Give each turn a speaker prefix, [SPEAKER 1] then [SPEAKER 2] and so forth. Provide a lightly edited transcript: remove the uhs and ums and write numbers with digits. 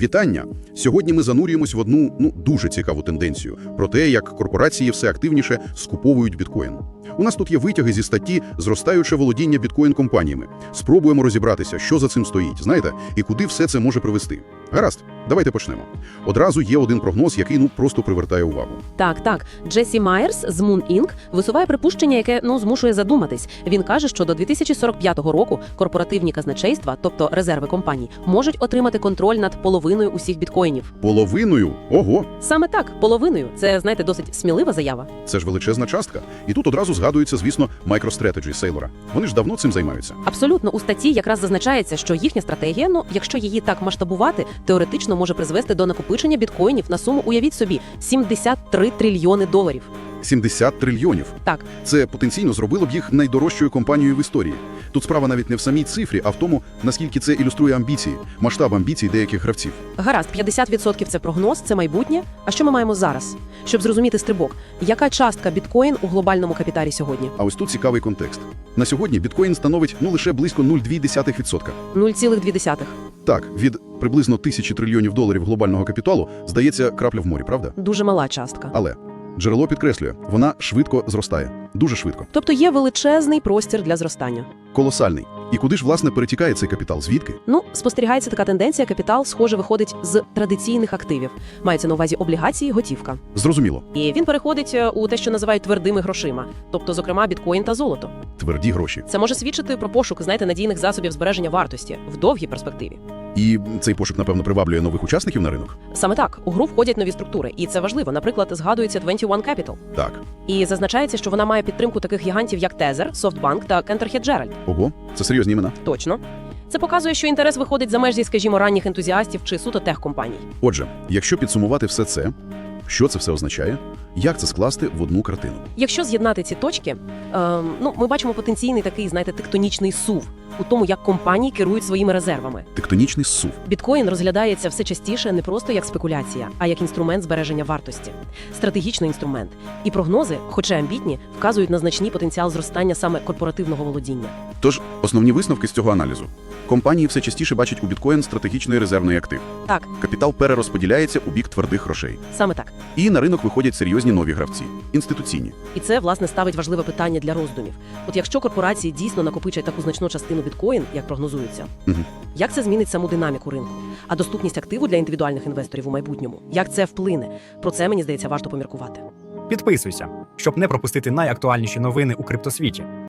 [SPEAKER 1] Вітання! Сьогодні ми занурюємось в одну, дуже цікаву тенденцію про те, як корпорації все активніше скуповують біткоін. У нас тут є витяги зі статті «Зростаюче володіння біткоін-компаніями». Спробуємо розібратися, що за цим стоїть, знаєте, і куди все це може привести. Гаразд, давайте почнемо. Одразу є один прогноз, який просто привертає увагу.
[SPEAKER 2] Так. Джесі Майерс з Moon Inc. висуває припущення, яке, змушує задуматись. Він каже, що до 2045 року корпоративні казначейства, тобто резерви компаній, можуть отримати контроль над половиною усіх біткоїнів.
[SPEAKER 1] Половиною? Ого!
[SPEAKER 2] Саме так, половиною. Це, знаєте, досить смілива заява.
[SPEAKER 1] Це ж величезна частка. І тут одразу згадується, звісно, MicroStrategy Сейлора. Вони ж давно цим займаються.
[SPEAKER 2] Абсолютно. У статті якраз зазначається, що їхня стратегія, якщо її так масштабувати, теоретично може призвести до накопичення біткоїнів на суму, уявіть собі, $73 трильйони.
[SPEAKER 1] 70 трильйонів.
[SPEAKER 2] Так.
[SPEAKER 1] Це потенційно зробило б їх найдорожчою компанією в історії. Тут справа навіть не в самій цифрі, а в тому, наскільки це ілюструє амбіції, масштаб амбіцій деяких гравців.
[SPEAKER 2] Гаразд, 50% – це прогноз, це майбутнє. А що ми маємо зараз? Щоб зрозуміти стрибок, яка частка біткоін у глобальному капіталі сьогодні?
[SPEAKER 1] А ось тут цікавий контекст. На сьогодні біткоін становить лише близько 0,2%.
[SPEAKER 2] 0,2.
[SPEAKER 1] Так, від приблизно 1000 трильйонів доларів глобального капіталу, здається, крапля в морі, правда?
[SPEAKER 2] Дуже мала частка.
[SPEAKER 1] Але джерело підкреслює, вона швидко зростає. Дуже швидко.
[SPEAKER 2] Тобто є величезний простір для зростання.
[SPEAKER 1] Колосальний. І куди ж, власне, перетікає цей капітал? Звідки?
[SPEAKER 2] Спостерігається така тенденція, капітал, схоже, виходить з традиційних активів. Мається на увазі облігації, готівка.
[SPEAKER 1] Зрозуміло.
[SPEAKER 2] І він переходить у те, що називають твердими грошима, тобто, зокрема, біткоін та золото.
[SPEAKER 1] Тверді гроші.
[SPEAKER 2] Це може свідчити про пошук, надійних засобів збереження вартості в довгій перспективі.
[SPEAKER 1] І цей пошук, напевно, приваблює нових учасників на ринок?
[SPEAKER 2] Саме так. У гру входять нові структури. І це важливо. Наприклад, згадується 21 Capital.
[SPEAKER 1] Так.
[SPEAKER 2] І зазначається, що вона має підтримку таких гігантів, як Tether, SoftBank та Cantor Fitzgerald.
[SPEAKER 1] Ого, це серйозні імена.
[SPEAKER 2] Точно. Це показує, що інтерес виходить за межі, скажімо, ранніх ентузіастів чи суто техкомпаній.
[SPEAKER 1] Отже, якщо підсумувати все це, що це все означає? Як це скласти в одну картину?
[SPEAKER 2] Якщо з'єднати ці точки, ми бачимо потенційний такий, тектонічний сув у тому, як компанії керують своїми резервами.
[SPEAKER 1] Тектонічний зсув.
[SPEAKER 2] Біткоін розглядається все частіше не просто як спекуляція, а як інструмент збереження вартості. Стратегічний інструмент. І прогнози, хоча амбітні, вказують на значний потенціал зростання саме корпоративного володіння.
[SPEAKER 1] Тож, основні висновки з цього аналізу. Компанії все частіше бачать у біткоін стратегічний резервний актив.
[SPEAKER 2] Так.
[SPEAKER 1] Капітал перерозподіляється у бік твердих грошей.
[SPEAKER 2] Саме так.
[SPEAKER 1] І на ринок виходять серйозні нові гравці. Інституційні.
[SPEAKER 2] І це, власне, ставить важливе питання для роздумів. От якщо корпорації дійсно накопичать таку значну частину біткоін, як прогнозується, як це змінить саму динаміку ринку? А доступність активу для індивідуальних інвесторів у майбутньому? Як це вплине? Про це, мені здається, варто поміркувати.
[SPEAKER 3] Підписуйся, щоб не пропустити найактуальніші новини у криптосвіті.